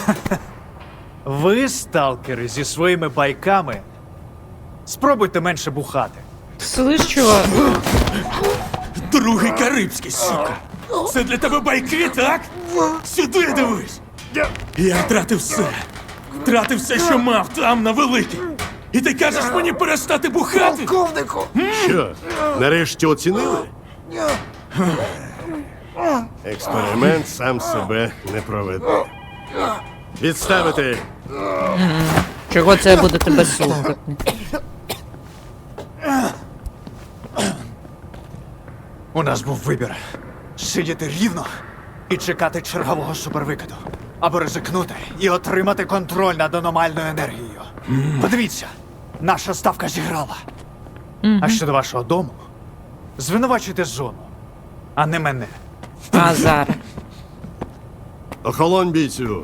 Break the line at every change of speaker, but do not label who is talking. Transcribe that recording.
Ви, сталкери, зі своїми байками, спробуйте менше бухати.
Слышь, чувак?
Другий карибський, сука. Це для тебе байки, так? Сюди дивись. Я втратив все. Втратив все, що мав там, на великій. І ти кажеш мені перестати бухати?
Що, нарешті оцінили? Експеримент сам себе не проведе. Відставити!
Чого це я буду тебе слухати?
У нас був вибір. Сидіти рівно і чекати чергового супервикиду. Або ризикнути і отримати контроль над аномальною енергією. Подивіться, наша ставка зіграла. А щодо вашого дому, звинувачуйте зону, а не мене.
А зараз.
Охолонь, бійцю!